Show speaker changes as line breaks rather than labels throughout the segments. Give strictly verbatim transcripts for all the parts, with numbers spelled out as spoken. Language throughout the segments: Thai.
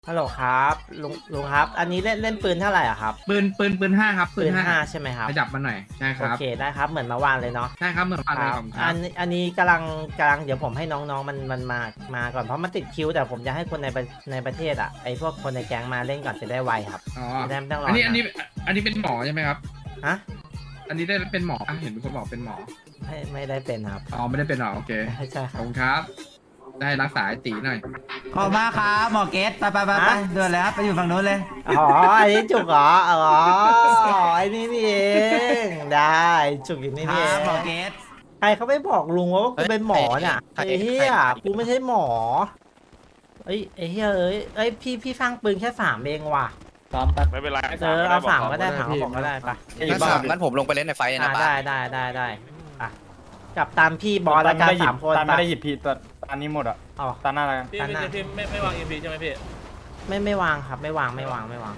ฮัลโหลครับลุงลุงครับ อันนี้เล่นเล่นปืนเท่าไหร่อ่ะครับ
ปืนปืนปืนห้าครับ
ปืนห้าใช่ไหมครับ
ไปจับมันหน่อยใช่ค
โอ
รับ
เคได้ครับเหมือนเมื่อวานเลยเนาะ
ใช่ครับเหมือนกัน
ค
เลย
รับ
ของค
อั
รับ
นอันนี้กำลังกำลังเดี๋ยวผมให้น้องๆมันมันมามาก่อนเพราะมันติดคิวแต่ผมจะให้คนในประในประเทศอ่ะไอพวกคนในแก๊งมาเล่นก่อนจะได้ไวครับ
อ๋อ
จะได้ไม่ต้องรอ
อั
อั
นนี้อันนี้อันนี้เป็นหมอใช่ไหมครับ
ฮะ
อันนี้ได้เป็นหมออ่ะเห็นมีคนบอกเป็นหมอ
ไม่ไม่ได้เป็นครับ
อ๋อไม่ได้เป็นหรอโอเค
ใช่ค
ข
รั
อบบ คุณครับ ได้รักษาไอ้ตีหน่อย
ขอบคุณมากครับหมอเกตไปไปไปไปเดินเลยครับไปอยู่ฝั่งนู้นเลย
อ๋ออันนี้จุกเหรออ๋อไอ้นี่นี่เองได้จุกอยู่นี่
ค
นี่
รั
เอบ ง
หมอเกต
ใครเขาไม่บอกลุงว่ากูเป็นหมอเนี่ยไอ้เหี้ยกูไม่ใช่หมอเอ้ยไอ้เหี้ยเอ้ยเอ้ยพี่พี่ฟังปืนแค่สามเองว่ะ
ไม่เป็นไร
เออเอาสามก็ได้ถามเขาบอกก็ได้ปะ
งั้นสามงั้นผมลงไปเล่นในไฟ
อ่า
นะป้า
ได้ได้ได้ได้อ่ะกับตามพี่บอลและการสามคน
ตาไม่
ปะ
ได้หยิบพี่แต่ตานี้หมดอ่ะ
อ๋อ
ตาหน้าอะไรกัน
พี่พี่พี่ไม่ไม่วางเอ็มพีใช่ไหมพี่
ไม่ไม่วางครับไม่วางไม่วางไม่วาง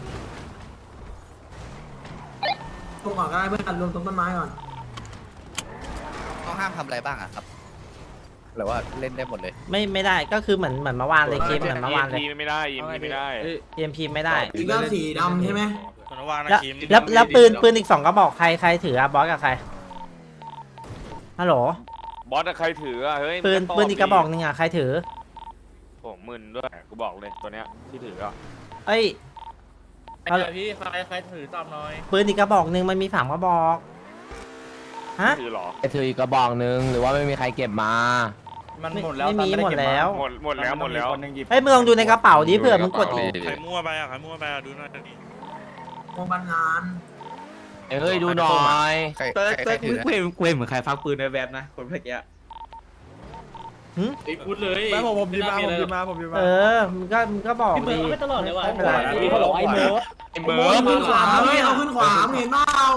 ตรงก่อนก็ได้เพื่อนรวมตรงต้นไม้ก่อน
ต้องห้ามทำอะไรบ้างอะครับหรือว่าเล่นได้หมดเลย
ไม่ไม่ได้ก็คือเหมือนเหมือนเมื่อวานเลยคลิปเหมือนเมื่อวานเลย
พีไม่ได้เอ็มพีไม่ได้
เอ็มพีไม่ได้
อีกแล้วสีดำใช่ไหม
คนละวางนะ
แล้ว
คิม
แล้วแล้วปืนปืนอีกสองกระบอกใครใครถืออะบอสกับใครฮัลโหล
บอสใครถืออ่ะเฮ้ย
ปืนปืนอีกกระบอกหนึงอะใครถือ
ผมมึนด้วยกูบอกเลยตัวเนี้ยที่ถืออ่ะ
เอ้ย
ใครพี่ใครใครถือตอบหน่อย
ปืนอีกกระบอกหนึ่งมันมีสามกระบอกฮะ
ถือหรอ
ไอถืออีกกระบอกนึงหรือว่าไม่มีใครเก็บมา
มันหมดแล้ว
ไม่มี
ตา
หมด
ไเก็บา
แล้ว
หมดหมดแล้วหมดแล้ว
คนหนึ่งหยิบ
เฮ้ยมึงลองดูในกระเป๋าดิเผื่อมึงกดอีก
ใครมั่วไปอ่ะใครมั่วไปอ่ะดูหน่อยดิ
โรงพยาบาลงาน
เฮ้ยดูหน่อย
ใคร
เติร์ด
ใคร
เติร์ด
ใครถือ
กูเห็นกูเห็นเหมือนใครฟักปืนในแวบนะคนเมื่อกี้
พูดเลย
ไม่ผมผมยิบมาผมยิบมาผมยิบมา
เออมึงก็มึงก็บอกดี
ไม่ตลอดเลยว่ะ
ไม่เป็นไร
พี่เขาบอกไอ้เมิร์ฟ
ไอ้
โอ้
เบิร์
ย
ด
ขึ้นขวาเฮ้ยเอาขึ้นขวามึงเห็นเปล่า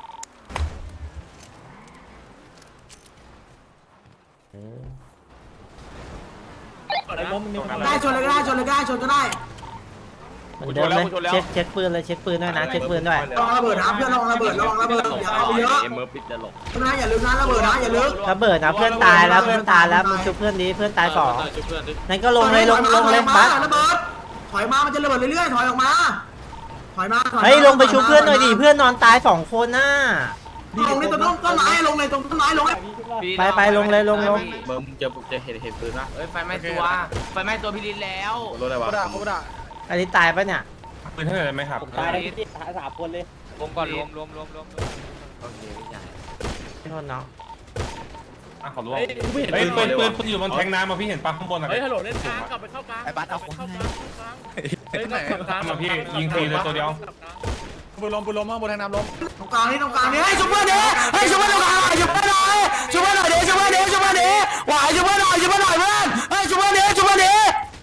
ได้ชนเลยก็ได้ชนเลยก็ได้ชนก็ได้
เหมือนเดิมเลยเช็คเช็คปืนเลยเช็คปืนด้วยนะเช็คปืนด้วย
ระวังระเบิดนะเพื่อนระวังระเบิดระวังระเบิดอย่าเอาไปเยอะ
เอ็มเมอร์ปิดจะหลบ
นะอย่าลืมนะระเบิดนะอย่าลืม
ระเบิดนะเพื่อนตายแล้วเพื่อนตายแล้วมึงชุบเพื่อนดีเพื่อนตายสองนั่นก็ลงเลยลงลงเลย
บั
บั
ส
ส
ระเบิดถอยมามันจะระเบิดเรื่อยๆถอยออกมาถอยมา
เฮ้ยลงไปชุบเพื่อนหน่อยดิเพื่อนนอนตายสองคนน่ะ
ลงในตรงต้นไม้ลงในตรงต้นไม้ลง
ไปไปลงเลยลงลง
เบิร์มจะจะเห็นเห็นปืนปะ
เฮ้ยไฟไหม้ตัวไฟไหม้ตัวพี่ลินแล้ว
รถอะไรวะ
อันนี้ตายปะเนี่ย
ปืนเท่าไหร่ไหมครับ
ตาย
รวมก่อนรวมรวมรวมรวม
โอเคพี่ใหญ่
โทษเนาะ
อ่ะขอรู้ว่าเฮ้ยปืนปืนปืนอยู่บนแทงน้ำมาพี่เห็นปะข้างบนอะ
เฮ้ยฮัลโหลเล่นกลางกลับไปเข้ากลาง
ไอ้บัสเอาของ
เข้ากลางเฮ้ย
ไหน
กลับกลาง
มาพี่ยิงฟรีเลยตัวเดียวปืนลมปืนลมข้างบนแทงน้ำลม
ตรงกลางนี่ตรงกลางนี่ให้ชุบเพื่อนดิให้ชุบเพื่อนตรงกลางชุบเพื่อนหน่อยชุบเพื่อนหน่อยดิชุบเพื่อนดิชุบเพื่อนดิหวายชุบเพื่อนหน่อยชุบเพื่อนหน่อยเพื่อนให้ชุบเพื่อนดิชุบเพื่อนดิ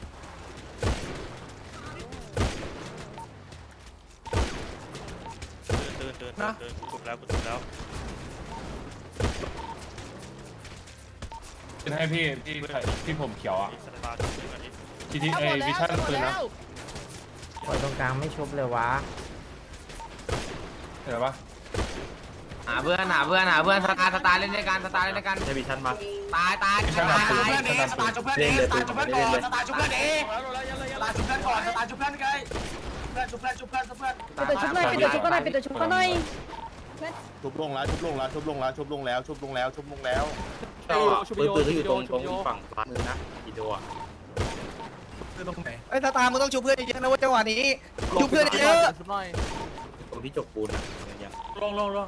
ตื่นตื่นตื่นกดแล้วกดแล้ว
เป็นให้พี่ที่ที่ผมเขียวอ่ะทีทีเอวิชั่นปืนนะ
ปล่อยตรงกลางไม่ชุบเลยวะ
เห็นปะ
หาเพื่อนหาเพื่อนหาเพื่อนสตาร์สตาร์เล่นด้วยกันสตาร์เล่นด้วยกัน
ใช่วิชั่นปะ
ตายตาย
วิชั่นแบบปืน
ตาย
วิชั่นแบบปืน
เล่นเลยปืนเล่นเลย
สตาร์ชุบเพื่อนดิสตาร์ชุบเพื่อนก่อนสตาร์ชุบเพื่อนไงเพื่อนชุบเพื่อนชุบเพื่อนชุบเพื่อน
ปิดตัวชุบหน่อยปิดตัวชุบหน่อยปิดตัวชุบหน่อย
ชุบลงแล้วชุบลงแล้วชุบลงแล้วชุบลงแล้วชุบลงแล้วชุบลงแล้วปืนปืนก็อยู่ตรงตรงฝั่งขวามือนะกี่ตัว
ไอ้ยตาตามึงต้องชูเพื่อนเยอะๆนะว่าจังหวะนี้ชูเพื่อนเยอะ
ตรงที่จกปูนอะ
ลงลงลง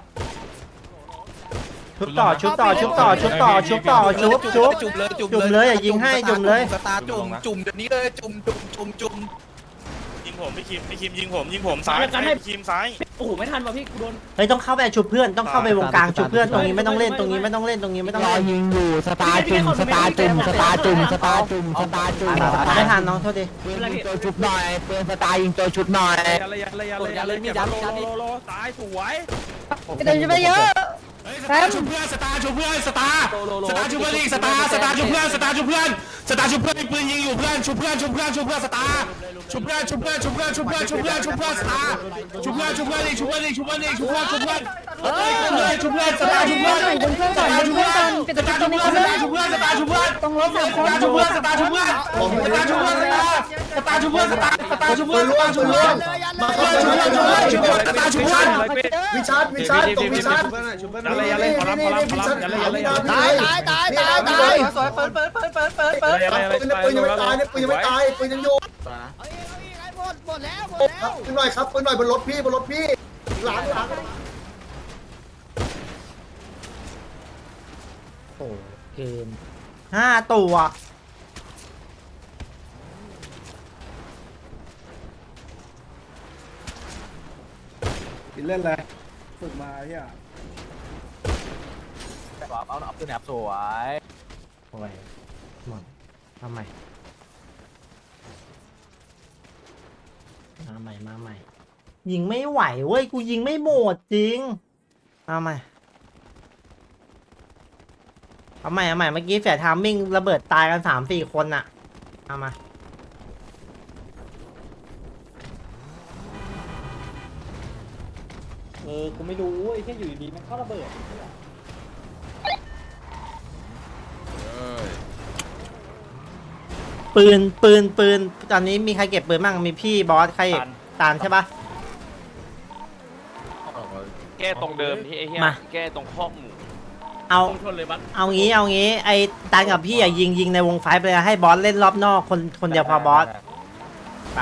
ชุบต่อชุบต่อชุบต่อชุบต่อชุบต่อชุบชุบ
จุ่มเลยจุ่ม
จุ่มเลยอย่ายิงให้จุ่มเลย
สตาร์จุ่มจุ่มเดี๋ยวนี้เลยจุ่มจุ่มจุ่มจุ่ม
ยิงผมพี่คิมพี่คิมยิงผมยิงผมซ้ายพี่คิมซ้าย
โอ้โหไม่ทันว่ะพี่กูโดน
เฮ้ยต้องเข้าไปชุบเพื่อนต้องเข้าไปวงกลางชุบเพื่อนตรงนี้ไม่ต้องเล่นตรงนี้ไม่ต้องเล่นตรงนี้ไม่ต้อง
รอ
เล่น
ยิงอยู่สตาร์จุ่มสตาร์จุ่มสตาร์จุ่มสตาร์จุ่มสตาร์จุ่ม
ไม่ทันน้องโทษดิ
ปืนยิงตัวชุบหน่อยปืนสตาร์ยิงตัวชุบหน่อย
ยันเลยยันเลยยันเลยยันเลยมียันโลโลโลตายสวย
เดินไปเยอะ
สตาร์ชุบเพื่อนสตาร์ชุบเพื่อนสตาร์สตาร์ชุบเพื่อนอีกสตาร์สตาร์ชุบเพื่อนสตาร์ชุบเพื่อนสตาร์ชุบเพื่อนปืนยิงอยู่เพื่อนชุบเพื่อนชุบเพื่อนชุบเพื่อนสตาร์ชุบเพื่อนชุบเพื่อนชุบเพื่อนชุบเพื่อนชุบเพื่อนชุบเพื่อนสตาร์ชุบเพื่อนชุบเพื่อนอีกชุบเพื่อนอีกชุบเพื่อนอีกชุบเพื่อนชุบเพื่อนเฮ้ยชุบเพื่อนสตาร์ชุบเพื่อนสตาร์ชุบเพื่อนสตาร์ชุบเพื่อนสตาร์ชุบเพื่อนสตาร์ชุบเพื่อนต้องลบสามคนชุบเพื่อนสตาร์ชุบเพื่อนสตาร์ชุบเพื่อนสตาร์ชุบเพื่อนสตาร์สตาร์ชุบเพื่อนสตาร์ชุบเพื่อนมาชุบเพื่อนชุบเพื่อนชุบเพื่อนสตาร์ชุบเพื่อน
วิชาร์ดวิชาร์ดตรงวิชาร์ดอะไรอะไรขอรับขอรับขอรับอะไรอะไรตายตายตายตายตายสวยเปิดเปิดเปิดเปิดเปิดเปิดปืนปืนยังไม่ตายเนี่ยปืนยังไม่ตายปืนยังอยู่หมดหมดแล้วหมดแล้วปืนหน่อยครับปืนหน่อยบนรถพี่บนรถพี่หลังหลัง
โอ้เกินห้าตัว
เล่นอะไรฝึกมาเฮีย
เอาเอาปืนแอบสวย
โอ้ยหมดมาใหม่มาใหม่มาใหม่ยิงไม่ไหวเว้ยกูยิงไม่หมดจริงเอาใหม่เอาใหม่เอาใหม่เมื่อกี้เสียทามมิ่งระเบิดตายกันสามสี่คนน่ะเอามาเออกูไม่รู้ไอ้แค่อยู่ดีมันเข้าระเบิดปืนปืนปืนตอนนี้มีใครเก็บปืนบ้างมีพี่บอสใครตานใช่ปะ
แก้ตรงเดิมที่ไอ้เหี้ย
มา
แก้ตรงข้อหมู
เอาเอางี้เอางี้ไอ้ตานกับพี่อ่ะยิงยิงในวงไฟไปเลยให้บอสเล่นรอบนอกคนคนเดียวพอบอสไป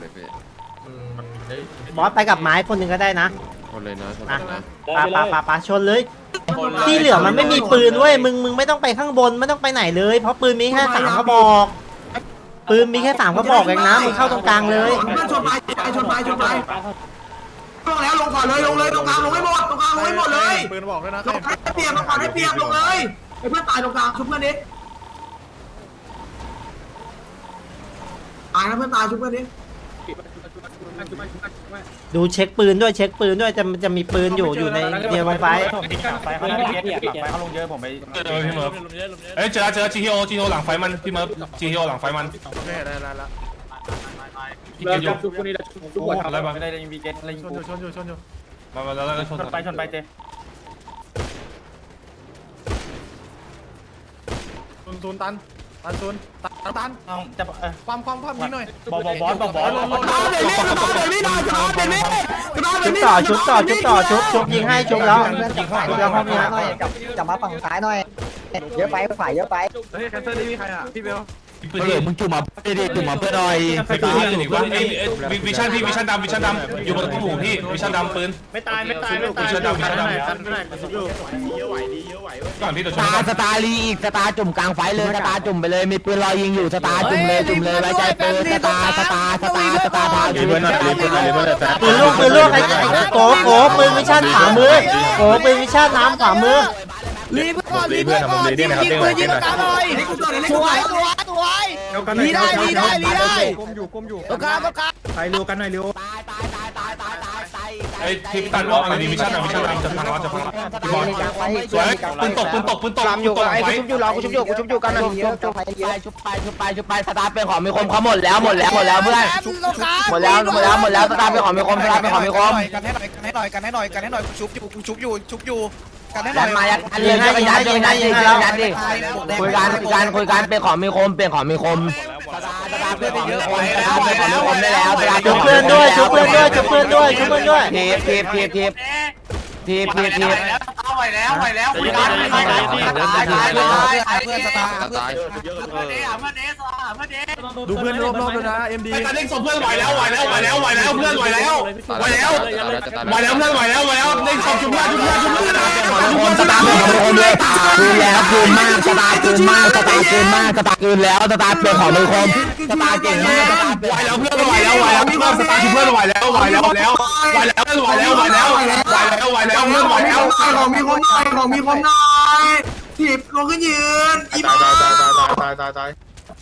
บอสไปกับไม้คนหนึ่งก็ได้นะคนเลยนะปาปาปาปาชนเลยที่เหลือมันไม่มีปืนเว้ยมึงมึงไม่ต้องไปข้างบนไม่ต้องไปไหนเลยเพราะปืนมีแค่สามกระบอกปืนมีแค่สามกระบอกเองนะมึงเข้าตรงกลางเลย
ชนไปชนไปชนไปลงแล้วลงก่อนเลยลงเลยตรงกลางลงให้หมดตรงกลางลงให้หมดเลยปืนบอกด้วยนะลงให้เปรียบลงก่อนให้เปรียบลงเลยไอ้เพื่อนตายตรงกลางชุบเพื่อนดิตายนะเพื่อนตายชุบเพื่อนดิ
ดูเช็คปืนด้วยเช็คปืนด้วยจะจะมีปืนอยู่อยู่ในเดียววงไฟ
เขาลงเยอะผมไปเจอพี่เมิร์ฟเอ้ยเจอเจอจีทีโอจีทีโอหลังไฟมันพี่เมิร์ฟจีทีโอหลังไฟมันโอเคได้ได้แล้วพี่เกอยู่คนนี้ทุกคนอะไรบ้างไม่ได้ยิงวีเกตอะไรยิงชนอยู่ชนอยู่ชนอยู่มามาแล้วแล้วชนไปชนไปเจตุนตุนตันตันตุนตันตันจะความความความนี้หน่อยบอลบอลบอลบอลบอล
ชุบต่อชุบต่อชุบต่อชุบชุบยิงให้ชุบแล้วชุบแล้วห้องนี้
จับมาฝั่งซ้ายหน่อยเยอะไปฝ่ายเยอะไป
เฮ้ยแคนเซิลนี่มีใครอ่ะพี่เบล
เออมึงจุ่มมาเด็กจุ่มมาเพื่อหน่อยไปปืนที่อื่นอีกวะไอ้วิชั่นพี่วิชั่นดำวิชั่นดำอยู่บนตู้หมูพี่วิชั่นดำปืน
ไม่ตายไม่ตายไม่ตาย
วิชั่นดำวิชั่นดำ
ไม่ได้เยอะไหวดีเยอะไหวเว้ย
ก่อนพี่ตัวช
ส
น
ตาร์สตาร์ลีอีกสตาร์จุ่มกลางไฟเลยสตาร์จุ่มไปเลยมีปืนรอยิงอยู่สตาร์จุ่มเลยจุ่มเลยไว้ใจปืนสตาร์สตาร์สตาร์สตาร์ทาจุ่ม
ปืนลูกปืนลูกไอ้โกโกปืนวิชั่นขวามือโกปืนวิชั่นน้ำขวามือ
รีบก่อนรีบก่อนยิงยิงปืนยิงตาหน่อยสวยสวยสวยรีได้รีได้รีได้ก้มอยู่ก้มอยู่ตรงกลางตรงกลางไปเร็วกันหน่อยเร็ว
ตายตายตายตายตายตายตาย
ไอ้ที่พี่ตันบอกอะไรดีวิชั่นดำวิชั่นดำจะพังแล้วจะพังแล้วพี่บอลสวยปืนตกปืนตกปืนตก
ลำอยู่ไอ้กูชุบอยู่รอกูชุบอยู่กูชุบอยู่กันนะชุบไปชุบไปชุบไปชุบไปสตาร์เป็นของมีคมเขาหมดแล้วหมดแล้วหมดแล้วเพื่อนหมดแล้วหมดแล้วหมดแล้วสตาร์เป็นของมีคมสตาร์เป็นของมีคม
กันให้หน่อยกันให้หน่อยกันให้หน่อยกันให้หน่อยชุบอยู่ชุบอยู่ชุบอยู่กันให้หน่
ยั
อย
ดมายัดกันเลยยัดยัดยัดยัดยัดดิคุยกันคุยกันคุยกันเป็นของมีคมเป็นของมีคมสตาร์สตาร์เป็นของมีคมสตาร์เป็นของมีคมได้แล้ว
ชุบเพื่อนด้วยชุบเพื่อนด้วยชุบเพื่อนด้วยชุบเพื่อนด้วย
ทีบทีบทีบทีบทีบทีบทีบ
ไหวแล้วไหวแล้วคุยกันคุยกันเพื่อนสตาร์เพื่อน
ดูเพื่อนรอบๆด้วยนะเอ็มดี
ไอ้ตันเล่นส่งเพื่อนไหวแล้วไหวแล้วไหวแล้วไหวแล้วเพื่อนไหวแล้วไหวแล้วไหวแล้วเพื่อนไหวแล้วไหวแล้วเล่นส่งชุบเพื่อนชุบเพื่อนชุบเพื่อนชุบเพื่อน
สตาร์เป็นของมีคมเลยคืนแล้วคืนมากสตาร์คืนมากสตาร์คืนมากสตาร์คืนแล้วสตาร์เป็นของมีคมสตาร์เก่งมากสตาร์
ไหวแล้วเพื่อนไหวแล้วไหวแล้วเพื่อนสตาร์ชุบเพื่อนไหวแล้วไหวแล้วไหวแล้วไหวแล้วไหวแล้วไหวแล้วไหวแล้วไหวแล้วเพื่อนไหวแล้ว
ของมีคมหน่อยของมีคมหน่อยถีบลงขึ้นยืนอี
ตายตายตายตายตายตายตาย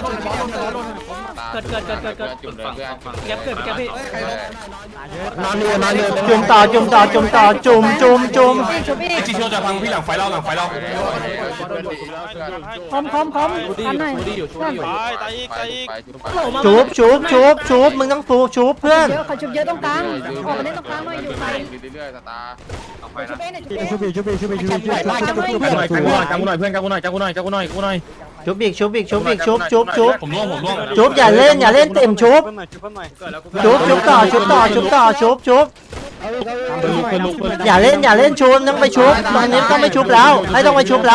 เกิดเกิดเกิดเกิดเกิดแก๊ปเกิดไปแก๊ปพี่
นอนอยู่นอนอยู่
จุ่มต่อจุ่มต่อจุ่มต่อจุ่มจุ่มจุ่ม
ไอจีทีโอจะพังพี่หลังไฟเราหลังไฟเรา
พร้อมพร้อมพร้อมอันไหน
ตายตายอีกตายอีก
ชุบชุบชุบชุบมึงต้องฟูชุบเพื่อน
เยอะเขาชุบเยอะตรงกลางออกมาเล่นตรงกลางหน่อยอยู่ไกล
เรื่อยๆสตาร์
ชุบเองเนี่ยชุบเอง
ชุบชุบชุบชุบชุบชุบหน่อยกันกูหน่อยกันกูหน่อยเพื่อนกันกูหน่อยกันกูหน่อยกันกูหน่อยกันกูหน่อย
ชุบอีกชุบอีกชุบอีกชุบชุบชุบ
ผมร่วงผมร่วง
ชุบอย่าเล่นอย่าเล่นเต็มชุบชุบชุบต่อชุบต่อชุบต่อชุบชุบอย่าเล่นอย่าเล่นชุบต้องไปชุบตอนนี้ต้องไปชุบแล้วไม่ต้องไปชุบแล้ว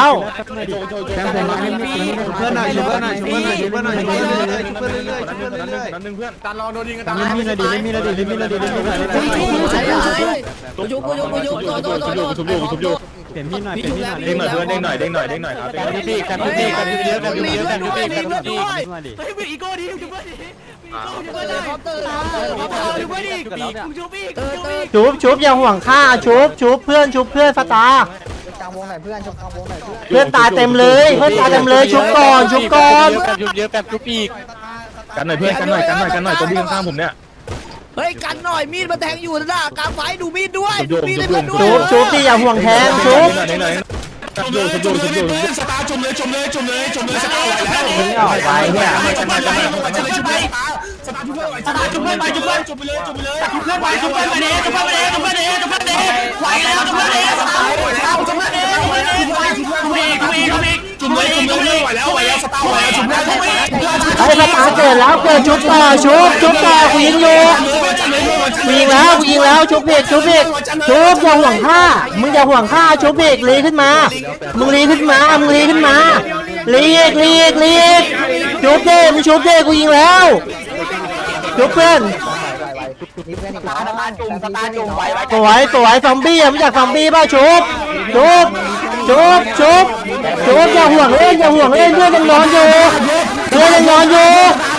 เพื่อนหน่อยช่วยเพื่อนหน่อยช่วยเพื่อนหน่อยช่วยเพื่อนหน่อยช่วยเพื่อนเรื่อยๆช่วยเพื่อนเรื่อยๆช่วยเพื่อนเรื่อย
นั่นหนึ่งเพื่อนการลองโดนยิงกันตาย
มีอะไรดีมีอะไรดีมีอะไรดีมีอะไรดี
กูยุบกูยุบกูยุบโดนโดนโดน
ชุบอยู่ชุบอยู่เปลี่ยนพี่หน่อยเปลี่ยนพี่หน่อยเด้งหน่อยเพื่อนเด้งหน่อยเด้งหน่อยเด้งหน่อยครับกันพี่พี่กันพี่กันพี่เยอะกันพี่เยอะกันพี่กันพี่
เฮ้ยอีโก้ดิชุบเพื่อนดิชุบเพื่อนดิชุบเพื่อนดิชุบเพื่อนดิชุบอีกชุบอีก
ชุบชุบอย่าห่วงค่าชุบชุบเพื่อนชุบเพื่อนฟาตา
กลางวงไหนเพื่อนชมกลางวงไหนเพื่อน
เพื่อนตายเต็มเลยเพื่อนตายเต็มเลยชุบก่อนชุบก่อน
ชุบเยอะกันชุบอีกกันหน่อยเพื่อนกันหน่อยกันหน่อยกันหน่อยตัวพี่ข้างผมเนี่ย
เฮ้ยกันหน่อยมีดมาแทงอยู่นะกลางไฟดูมีดด้วยดูมีดให้เพื่อนด้ว
ชุ
ย
บชุบที่อย่าห่วงแทนชุบ
เด้งหน่อยชุบอยู่ชุบอยู่ชุบอยู่
สตาร์จุ่มเลยจุ่มเลยจุ่มเลยจุ่มเลยสตาร์ไหวแล้ว
มึงออกไปเนี่ย
กันมากันมากันมาจุ่มเลยสตาร์จุ่มเลยสตาร์จุ่มเลยจุ่มเลยจุ่มเลยจุ่มเลยจุ่มเลยจุ่มเลยจุ่มเลยจุ่มเลยจุ่มเลยจุ่มเลยจุ่มเลยไหวแล้วจุ่มเลยสตาร์ไหวแล้วจุ่มเลยจุ่มเลยจุ่มเลยจุ่มเลยจุ่มเลยจุ่มเลยจุ่มเลยไหวแล้วไหวแล้วสตาร์ไหวแล้วจุ่มเลยจุ่มเลย
ไอ้ฟาตาเกิดแล้วเกิดชุบต่อชุบชุบต่อกูยิงอยู่กูยิงแล้วกูยิงแล้วชุบเบรกชุบเบรกชุบอย่าห่วงค่ามึงอย่าห่วงค่าชุบเบรกลีขึ้นมามึงลีขึ้นมามึงลีขึ้นมาลีกลีกลีกชุบเด้มึงชุบเด้กูยิงแล้วชุบเพื่อน
นี่เพื่อนอีก
ส
แล้ว
ตาร์จุ่มสตาร์จุ่มไหวไหว
สวยสวยซอมบี้อ่ะมึงอยากซอมบี้ป่ะชุบชุบ
มีเพื่อนอีก
ชุบชุบชุบอย่าห่วงเล่นอย่าห่วงเล่นเพื่อนยังนอนอยู่เพื่อนยังนอนอยู่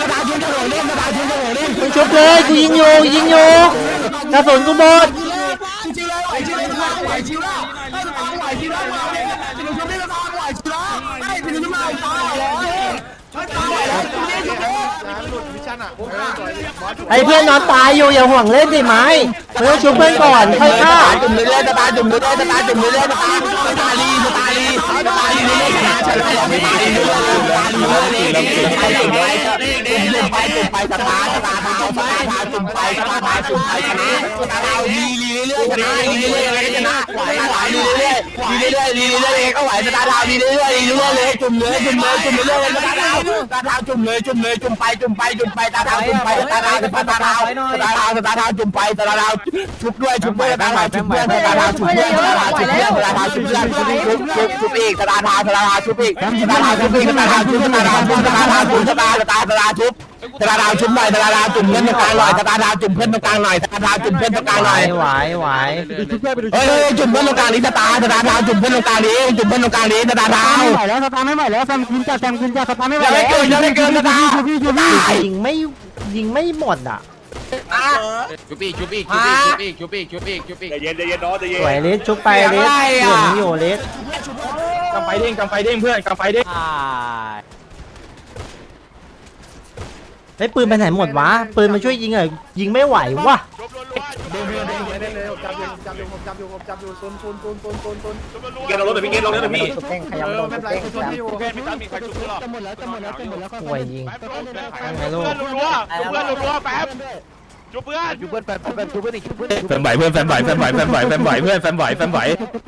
มึงชุบเลยกูยิงอยู่ยิงอยู่กระสุนกูหมดไอ้เพื่อนนอนตายอยู่อย่าห่วงเล่นดิไม้เพื่อนชุบเพื่อนก่อนค่อยฆ่าจุ่มเรื่อยๆตาจุ่มเรื่อยๆตาจุ่มเรื่อยๆตาตาลีตาลีตาลีเรื่อยๆฉันไม่ยอมไม่ตาลีเรื่อยๆตาลีเรื่อยๆไปจุ่มไปจุ่มไปจุ่มไปตาตาตาตาตาตาจุ่มไปตาตาจุ่มไปชนะตาตาลีลีเรื่อยๆชนะลีเรื่อยๆชนะไหวไหวลีเรื่อยๆลีเรื่อยๆลีเรื่อยๆก็ไหวตาตาลีเรื่อยๆลีเรื่อยๆเลยจุ่มเลยจุ่มเลยจุ่มเรื่อยๆตาตาตาตาจุ่มเลยจุ่มเลยจุ่มไปจุ่มไปจุ่มไปตาตาจุ่มไปตาตาตาตาตาตาตาตาตาจุ่มไปตาตาชุบด้วยชุบด้วยตาตาชุบเพื่อนตาตาชุบเพื่อนตาตาชุบเพื่อนตาตาชุบเพื่อนชุบชุบชุบอีกตาตาตาตาชุบอีกตาตาชุบอีกตาตาชุบตาตาชุบตาตาชุบตาตาตาตาชุบตาตาชุบหน่อยตาตาจุ่มเพื่อนตรงกลางหน่อยตาตาจุ่มเพื่อนตรงกลางหน่อยตาตาจุ่มเพื่อนตรงกลางหน่อยไหวไหวเฮ้ยจุ่มเพื่อนตรงกลางนี้ตาตาตาตาจุ่มเพื่อนตรงกลางนี้จุ่มเพื่อนตรงกลางนี้ตาตาไม่ไหวแล้วตาตาไม่ไหวแล้วแซมกินจ้าแซมกินจ้าตาตาไม่ไหวแล้วเกินยังไม่เกินตาตายิงไม่ยิงไม่หมดอ่ะ
ชุบอีกชุบอีกชุบอีกชุบอีกชุบอีกชุบอีก
ใจเย็นใจเย็นน้องใจเย็น
ไหวเลสชุบไปเลสเหลืองอยู่เลส
กำไฟเด้งกำไฟเด้งเพื่อนกำไฟเด้ง
ไอ้ปืนไปไหนหมดวะปืนมาช่วยยิงอ่ะยิงไม่ไหววะ
เด้งเด้งเด้งเลยจับอยู่จับอยู่ผมจับอยู่ผมจับอยู่ซุนซุนซุนซุนซุนซุน
เกณฑ์ลงรถเดี๋ยวพี่เกณฑ์ลงรถเดี๋ยวพี่
เออไม่เป็นไรซุนที่อยู่
เกณฑ์พี่ตั้มมีใครชุบหรอ
ห่วยยิงไงลูก
เพื่อนรัวเพื่อนรัวแป๊บชุบเพื่อน
ชุบเพื่อนแฟนแฟนชุบเพื่อนอีกชุบเพื่อน
แฟนไหวเพื่อนแฟนไหวแฟนไหวแฟนไหวแฟนไหวเพื่อนแฟนไหวแฟนไหว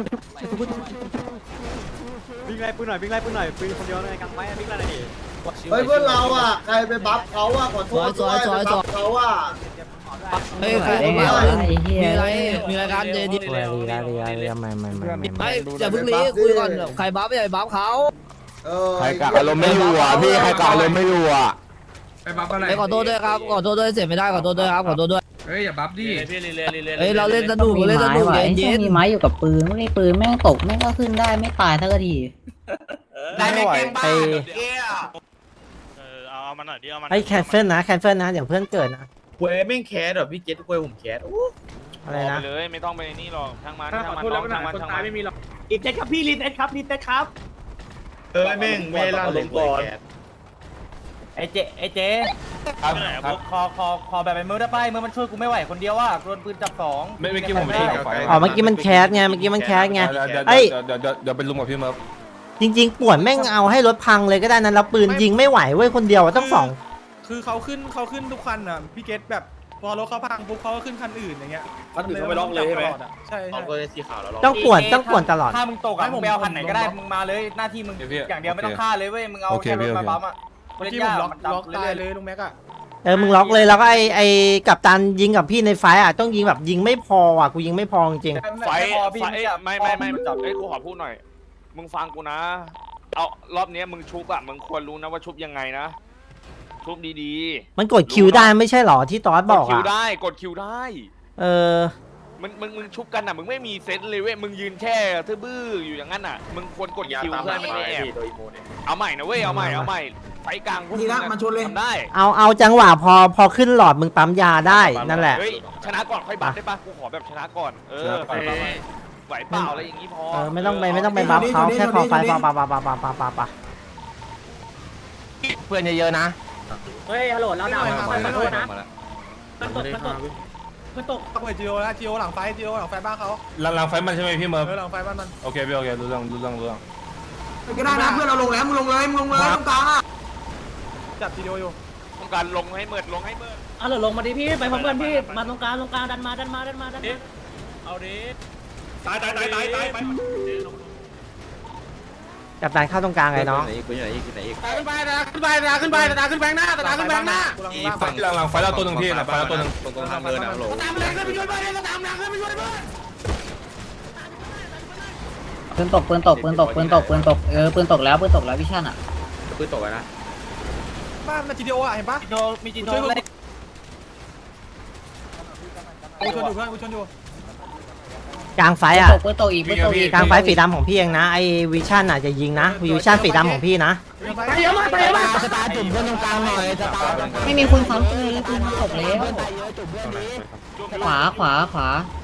วิ่งไล่ปืนหน่อยวิ่งไล่ปืนหน่อยปืนคนเดียวในกลางไม้วิ่งไล่หน่อยดิ
เฮ้ยเพื่อนเราอ่ะใครไปบัฟเขาอ่ะขอโทษด้วยไปบัฟเขาอ่ะ
เฮ้ยคือมีอะไรมีอะไรกันเจดี
เรียเรียเรียเรียไม่ไม่ไม่ไม่
ไม่อย่าเพิ่งรีคุยก่อนใครบัฟอย่าบัฟเขา
เออ
ใครกะอารมณ์ไม่อยู่อ่ะพี่ใครกะอารมณ์ไม่อยู่อ่ะ
ไปขอโทษด้วยครับขอโทษด้วยเสียไม่ได้ขอโทษด้วยครับขอโทษด้วย
เฮ้ยอย่าบัฟดิ
เฮ้ยเราเล่นสนุกเล่นสนุกเย็นเย็น
มีไม้อยู่กับปืนไม่มีปืนแม่งตกแม่งก็ขึ้นได้ไม่ตายสักที
ไม่ไหวไอ้
เออเอาเอามาหน่อยดิเอามา
ไอ้แคนเซิลนะแคนเซิลนะเดี๋ยวเพื่อนเกิดนะ
เว้ยแม่งแคสแบบพี่เก็ตเว้ยผมแคส
อะไรนะ
เลยไม่ต้องไปนี่หรอกช่างมันช่างมันน้องช่างมันช่างมันไม่มีหรอก
อีเต็ดครับพี่รีเต็ดครับรีเต็ดครับ
เออแม่งไม่ล่าลงก่อน
ไอ้เจไอ้เจ
ครับครับ
ขอขอขอแบบไปมือได้ป่ะมือมันช่วยกูไม่ไหวคนเดียวว่ะโดนปืนจับสอง
ไม่ไม่อกี้ผมไม่ได้กำไฟ
อ๋อเมื่อกี้มันแคสไงเมื่อกี้มันแคสไง
เดี๋ยวเดี๋ยว
ไอ้
เดี๋ยวเดี๋ยวเดี๋ยวเป็นลุงกับพี่เมิร์ฟ
จริงๆป่วนแม่งเอาให้รถพังเลยก็ได้นั้นแล้วปืนยิงไม่ไหวเว้ยคนเดียวต้องสอง
คือเขาขึ้นเขาขึ้นทุกคันอ่ะพี่เกตแบบพอรถเขาพังปุ๊บเขาก็ขึ้นคันอื่นอย่างเงี้ย
คันอื่นเขาไปล็อกเลยใช่ไหม
ใช่
เอา
ใช่
ตัวสีขาวแล้วล็อก
ต้องป่วนต้องป่วนตลอด
ถ้ามึงตกอ่ะมึงไปเอาคันไหนก็ได้มึงมาเลยหน้าที่มึงอย่างเดียวไม่ต้องฆ่าเลยเว้ยมึงเอาแค่รถมาบัมอ่ะ
เมื่อกี้ผมล็อกล็อกตายเลยลุงแม็กอะ
เออมึงล็อกเลยแล้วก็ไอไอกับตันยิงกับพี่ในไฟอ่ะต้องยิงแบบยิงไม่พออ่ะกูยิงไม่พอจริง
ไฟไฟไม่ไม่ไม่จับเอ้ยกูขอพูดหน่อยมึงฟังกูนะเอารอบนี้มึงชุบอะมึงควรรู้นะว่าชุบยังไงนะชุบดีๆ
มันกดคิวได้ไม่ใช่หรอที่ตอสบอก
กดคิว
อ่ะ
ได้กดคิวได้
เออ
มึงมึงมึงชุบกันอ่ะมึงไม่มีเซตเลยเว้ยมึงยืนแค่ทื่อบื้ออยู่อย่างนั้นอ่ะมึงควรกดคิวเพื่อมันไม่แอบเอาใหม่นะเว้ยเอาใหม่เอาใหม่ไฟกลางพวกมึงทำได้
เอาเอาจังหวะพอพอขึ้นหลอดมึงปั๊มยาได้นั่นแหละ
เฮ้ยชนะก่อนค่อยบัฟได้ปะกูขอแบบชนะก่อนเออไหวเปล่าอะไรอย่างงี้พอ
เออไม่ต้องไปไม่ต้องไปบัฟเขาแค่ขอไฟปะปะปะปะปะปะปะปะ
เพื่อนเยอะๆนะ
เฮ้ยฮัลโหลเราดาวขอโทษนะมันตกมันตกมันตก
เปิดจีโอแล้วจีโอหลังไฟจีโอหลังไฟบ้านเขา
หลังหลังไฟมันใช่ไหมพี่เมิร์ฟ
เออหลังไฟบ้านมัน
โอเคพี่โอเครู้เรื่องรู้เรื่องรู้เรื่อง
ก็ได้นะเพื่อนเราลงแล้วมึงลงเลยมึงลงเลยตรงกลางอ่ะ
จับจีโออยู่
ต้องการลงให้เมิดลงให้เมิด
ฮัลโหลลงมาดิพี่ไปพร้อมกันพี่มาตรงกลางตรงกลางดันมาดันมาดันมาดันมา
เอาดิตายตายตายตายตายไป
กับตันเข้าตรงกลางไงน้อง
กูอยู่ไหนอีกกูไหนอีก
ตาขึ้นไปตาขึ้นไปตาขึ้นไปตาขึ้นแบงหน้าตาขึ้นแบงหน้า
หลังหลังไฟเราตัวหนึ่งพี่หลังไฟเราตัวหนึ่ง
ตรงตรงทางเดินนะโหล
ตามแรงขึ้นไปช่วยเพื่อนตามแรงขึ้นไปช่วยเพื่อน
ปืนตกปืนตกปืนตกปืนตกปืนตกเออปืนตกแล้วปืนตกแล้ววิชั่นอ่ะ
ปืนตกนะ
บ้านมันจีโออ่ะเห็นปะ
โดมีจิโนเลย
กูชนอยู่เพื่อนกูชนอยู่
แกกลางไฟอ่ะ
ตกปืนตกอีกปืนตกอีก
กลางไฟสีดำของพี่เองนะไอ้วิชั่นอ่ะจะยิงนะวิชั่นสีดำของพี่นะ
ไปเยอะมากไปเยอะมากสตาร์จุ่มเพื่อนตรงกลางหน่อยสตาร์
ไม่มีคนซ้ำปืนแล้วปืนมันตกแล้วขวาขวาขวา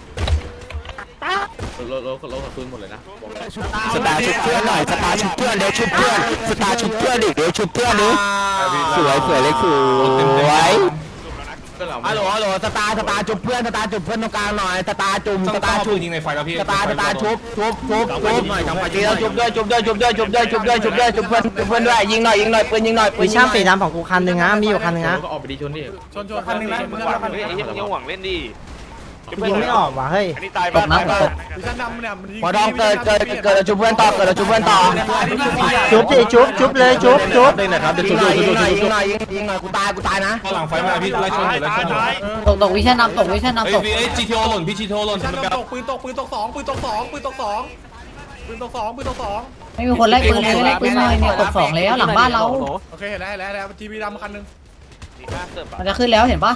สตาร์ชุบเพื่อนหน่อยสตาร์ชุบเพื่อนเดี๋ยวชุบเพื่อนสตาร์ชุบเพื่อนดิเดี๋ยวชุบเพื่อนดิสวยสวยเล็กสวยฮัลโหลฮัลโหลสตาร์สตาร์จุบเพื่อนสตาร์จุบเพื่อนตรงกลางหน่อยสตาร์จุ่มสตาร์จุ่ม
ยิงในไฟแล้วพี่
สตาร์สตาร์ชุบชุบชุบชุบหน่อยกำปั้นแล้วชุบด้วยชุบด้วยชุบด้วยชุบด้วยชุบด้วยชุบด้วยชุบเพื่อนชุบเพื่อนด้วยยิงหน่อยยิงหน่อยปืนยิงหน่อยปืน
วิชั่นสีดำของกูคันหนึ่งนะมีอยู่คันหนึ่งนะ
ชนชนคันหนึ่งนะมึงหวังเฮ้ยไอ้เหี้ยมึงยังหวังเล่นดิ
ยิงไม่ออกว่ะเฮ้ย
อันนี้ตายบ้างตายบ้าง
วิชั่นดำเนี่ยมันยิง
พอดองเกิดเกิดเกิดชุบเพื่อนต่อเกิดชุบเพื่อนต่อ
จุ๊บดิจุ๊บจุ๊บเลยจุ๊บจุ๊บ
ยิงหน่อยยิงหน่อยยิงหน่อยยิงหน่อยกูตายกูตายนะ
หลังไฟมาพี่ไล่ชนอยู่ไล่ชนอยู่
ตกตกวิชั่นน้ำตกวิชั่นน้ำตก
เอ้ยจีทีโอหล่นพี่จีทีโอหล่น
วิชั่นดำตกปืนตกปืนตกสองปืนตกสองปืนตกสองปืนตกสองปืนตกสอง
ไม่มีคนไล่ปืนเลยไล่ปืนหน่อยเนี่ยตกสองแล้วหลังบ้านเรา
โอเคเห็นแล้วเห็นแล้วเห็นแล้วจีบีดำคันหนึ่ง
มันจะขึ้นแล้วเห็นปะ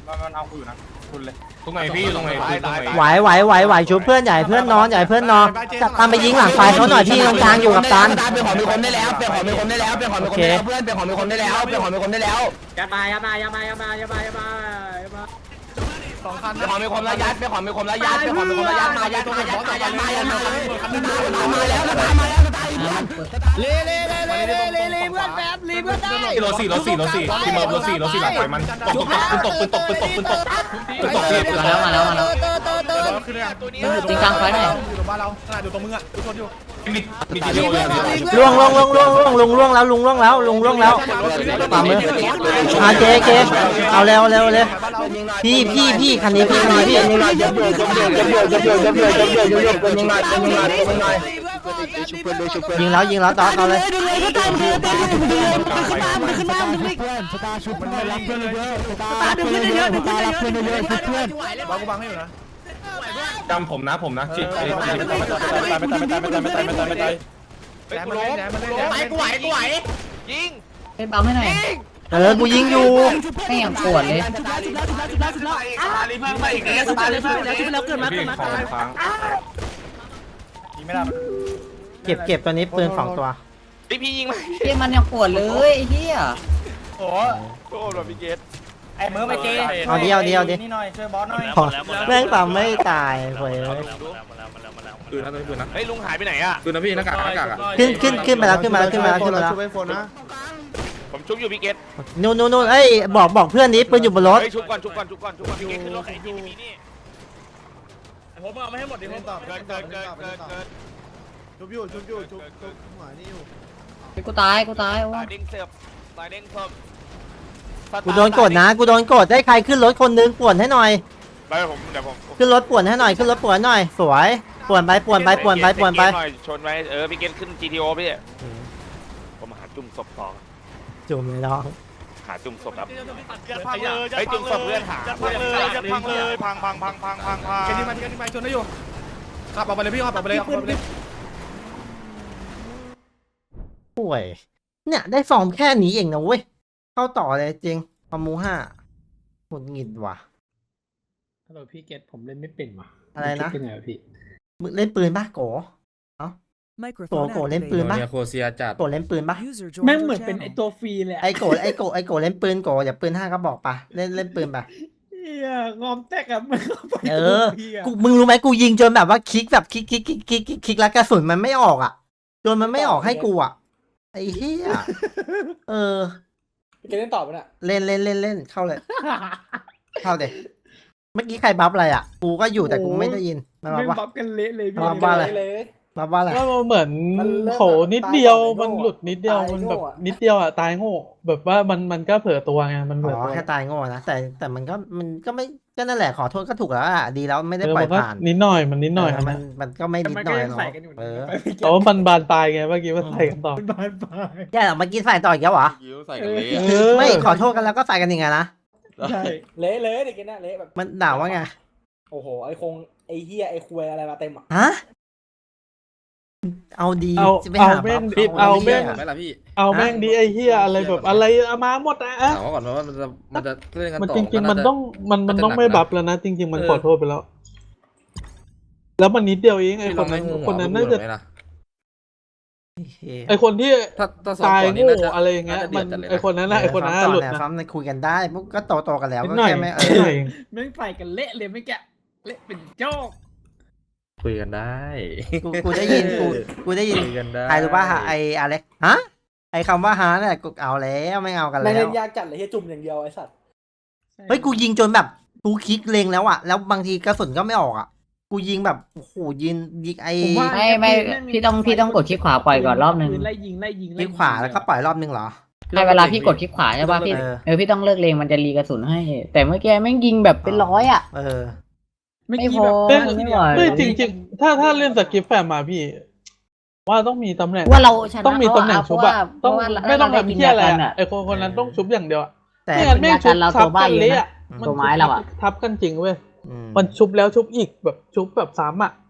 ตรงไหนพี่ตรงไหนพี่ตรงไหน
ไหวไหวไหวไหวชุบเพื่อนใหญ่เพื่อนนอนใหญ่เพื่อนนอนจับตามไปยิงหลังไฟเขาหน่อยพี่ตรงกลางอยู่กับตัน
เป็นของมีคมได้แล้วเป็นของมีคมได้แล้วเป็นของมีคมได้แล้วเพื่อนเป็นของมีคมได้แล้วเป็นของมีคมได้แล้ว
ยัดมายัดมายัดมายัดมายัดมายัดมายัดมา
สองคัน
เป็นของมีคมระยัดเป็นของมีคมระยัดเป็นของมีคมระยัดมายัดมายัดมายัดมายัดมามาแล้วมาแล้วมาแล้วตายเพื่อน
เล่เล่เล่เล่เล่เล่เล่เพื่อนแป๊บรีเพื่อนได้
รถสี่รถสี่รถสี่พี่เมิร์ฟรถสี่รถสี่หลังไฟมันตกตกปืนตกปืนตกปืนตกปืนตกปืนตกพี่
มาแล้วมาแล้วมาแล้ว
เตอเตอเตอ
คือเนี่ยตัวนี้
จริงกลางไฟหน่อย
อยู่ตรงบ้านเราขนาดอยู่ตรงมึงอ่ะกูชนอยู่
มีมีจีทีโอเลย
ล่วงล่วงล่วงล่วงล่วงลุงล่วงแล้วลุงล่วงแล้วลุงล่วงแล้วฝ่ามืออาเจเจเอาเร็วเร็วเร็วพี่พี่พี่คันนี้พี่คันนี้พี่
ยิงหน่อยยับเยินยับเยินยับเยินยับเยินยับเยินยับเยินยับเยินปืนยิงหน่อยปืนยิงหน่อยปืนยิงหน่อยชุบเพื่อนด้วยชุบเพื่อน
ยิงแล้วยิงแล้วต่อเอาเลย
ดูเลยก็ตามดูเลยตามดูเลยขึ้นมาขึ้นมาดึงดิ
สตาร์ชุบเพื่อนรับเพื่อนเยอะสตา
ตาดึงขึ้นเยอะดึงขึ้นเยอะ
เพื่อนเยอะชุบเพื่อน
บังกูบังให้อยู่นะ
จำผมนะผมนะจี
แหลมมันเล่นแหลมมันเล่น
ไหวกูไหวกูไหว
ยิง
เล่นปั๊มให้หน่อย
เออกูยิงอยู่
ไม่อย่างปวดเลย
จุดแล้วจุดแล้วจุดแล้วจุดแล้วจุดแล้วอ่ะรีเพิ่มไปอีกแล้วจุดแล้วจุดแล้วจุดแล้วเกิดมาเกิ
พี่
ดมา
ของค้าง
เก็บเก็บตัวนี้ปืนสองตัว
พี่พี่ยิงไหม
เฮียมันยังปวดเลยไอ้เฮีย
โอ้โหแบบพี่เกต
ไอ้มือไปเจ
เอาเดียวเดียวดิ
นี่หน่อยช่วยบอสหน่อย
พอแม่งปั๊มไม่ตายเว้ย
ปืนนะปืนนะ
เฮ้ยลุงหายไปไหนอ่ะ
ปืนนะพี่หน้ากากหน้ากากอ่ะ
ขึ้นขึ้นขึ้นมาแล้วขึ้นมาแล้วขึ้นมาแล้วขึ้นมาแล้ว
ผมชุบอยู่พี่เกต
นู่นนู่นนู่นเอ้ยบอกบอกเพื่อนนี้ปืนอยู่บนรถ
เฮ้ยชุบก่อนชุบก่อนชุบก่อนชุบก่อนพี่เกตขึ้นรถไอ้ที่มีนี่
ผมเอาไม่ให้หมดดิผม
เกิดเกิดเกิดเกิดเกิด
ชุบอยู่ชุบอยู่ชุบชุบหัวนี่อยู่
กูตายกูตายโอ้
ตายเด้งเสียบตายเด้งเพิ่ม
กูโดนกดนะกูโดนกดได้ใครขึ้นรถคนนึงป่วนให้หน่อย
ไปผมเดี๋ยวผม
ขึ้นรถป่วนให้หน่อยขึ้นรถป่วนหน่อยสวยป่วนไปป่วนไปป่วนไปป่วนไป
ชนไปเออพี่เกตขึ้น จี ที โอ พี่ผมหาจุ่มศพต่อ
จุ่มเลยน้อง
หาจุ่มศพครับไอ้จุ่มศพเพื่อนหาพังเลยพังเลยพังพังพังพังพังพัง
เกนี่มาเกนี่มาชนได้อยู่ขับออกไปเลยพี่ขับออกไปเลยขับออกไปเลย
ป่วยเนี่ยได้ฟอร์มแค่นี้เองนะเว้ยเข้าต่อเลยจริงปามูห้าหงุดหงิดว่ะ
ฮัลโหลพี่เกตผมเล่นไม่เป็นว่ะ
อะไรนะ
เป็นไงวะพี่
มึงเล่นปืนปะโกเอ้าโกโกเล่นปืนปะ
โคเซียจัด
โกเล่นปืนปะ
แม่งเหมือนเป็นไอตัวฟรีเลย
ไอโกไอโกไอโกเล่นปืนโกอย่าปืนห้าก็บอกปะเล่นเล่นปืนปะ
เฮียงอมแตกอะมึงเข้าไป
เออกูมึงรู้ไหมกูยิงจนแบบว่าคลิกแบบคลิกคลิกคลิกคลิกคลิกคลิกแล้วกระสุนมันไม่ออกอ่ะจนมันไม่ออกให้กูอ่ะไอ้เหี้ยเออ
พี่เกตเล่นต่อปะเนี่ย
เล่นเล่นเล่นเล่นเข้าเลย เข้าเด็เมื่อกี้ใครบัฟอะไรอ่ะกูก็อยู่แต่กูไม่ได้ยินมาบัฟ
ไม่
ว่า
บัฟกันเละเลยพี่
บัฟว่าอะไร บัฟว่าอะไร
ก็เหมือนโหนิดเดียวมันหลุดนิดเดียวมันแบบนิดเดียวอะตายโง่แบบว่ามันมันก็เผลอตัวไงมันเผล
อ๋
อ
อ
ตัว
แค่ตายโง่นะแต่แต่มันก็มันก็ไม่ก็นั่นแหละขอโทษก็ถูกแล้วอ่ะดีแล้วไม่ได้
เออ
ปล่อ
มั
ย
นก็
ผ่าน
นิดหน่อยมันนิดหน่อย
เออมันมันก็ไม่นิดหน่อยเนาะเออ
แต่ว่ามันบานปลายไงเมื่อกี้มันใส่กันต่อ
แย่เหรอเมื่อกี้ใส่ต่ออีกแล้วเหรอ
ใส่กันเลย
เออ
ไม่ขอโทษกันแล้วก็ใส่กันยังไงนะ
ใช่
เละเละเด็กน่ะเละแบบ
มันด่าว่าไง
โอ้โหไอคงไอเฮียไอคุยอะไรมาเต็มอ่ะ
ฮะเอาดี
เอา
จะไป
เอา
หา
แม่ง
บัฟ
เอาแม่ง
ไม่ละพี่
เอาแม่งดีไอเฮียอะไรแบบอะไรเอามาหมดนะอะ
ถามว่าก่อนว่ามันจะมันจะเล่นกัน
มัน
ต่อ
จริงๆมันต้องมันมันต้องไม่บัฟแล้วนะจริง ๆ มันขอโทษไปแล้วแล้วมันนิดเดียวเองไอ้คนนั้นคนนั้นน่าจะไอ้คนที่ตายโง่อะไรอย่างเงี้ยมันไอ้คนนั้นนะไอ้คนนั้นหลุดนะ
ซ้ำในคุยกันได้พวกก็โตโตกันแล้ว
นิด
ก็
หน่อย
แค่ไม่เอ
นิดหน่
อ
อย
แม่งใส่กันเละเลยไม่แกะเละเป็นโจ๊ก
คุยกันได้
กูกูได้ยินกูกูได้ยิน
คุยกันได้
ใครรู้ป่ะไออเล็กฮะไอคำว่าฮะเนี่ยกูเอาแล้วไม่เอากัน
แม่
แล้
ง
ว
ยากจัดเลยเฮียจุ่มอย่างเดียวไอ้สัตว์
เฮ้ยกูยิงจนแบบกูคลิกเล็งแล้วอะแล้วบางทีกระสุนก็ไม่ออกอะกูยิงแบบโอ้โหยิงยิงไอ
ไม่ไม่พี่ต้องพี่ต้องกดคลิกขวาปล่อยก่อนรอบนึง
ไล่ยิงไล่ยิง
คลิกขวาแล้วก็ปล่อยรอบนึงเหรอ
ในเวลาพี่กดคลิกขวาใช่ป่ะพี่
เออ
เออพี่ต้องเลิกเลงมันจะรีกระสุนให้ แต่เมื่อกี้แม่งยิงแบบเป็นร้อยอ่ะ
เออ
ไม่พอไม่ไหว
เฮ้ยจริงๆ ถ้าถ้าเล่นสกิปแฟมมาพี่ ว่าต้องมีตำแหน่ง
ว่าเราชนะ
ต้องมีตำแหน่งชุบอะ
เพ
ต้อง
ราะว่า
ไม่ต้อง
เราได้
ทำ
กิน
เที่ยอะไร
ยากัน
อะ
อะ
ไอคนคนนั้นต้องชุบอย่างเดียวอะ
แต่
ไม่งั้นแม่งชุบ
เรา
ทับ
ตัวใบ้
กัน
เลยนะ
เละอะ
อืม
มัน
ตัวไม้เราอะ
ทับกันจริงเว้ย
อืม
มันชุบแล้วชุบอีกแบบชุบแบบซ้ำอะ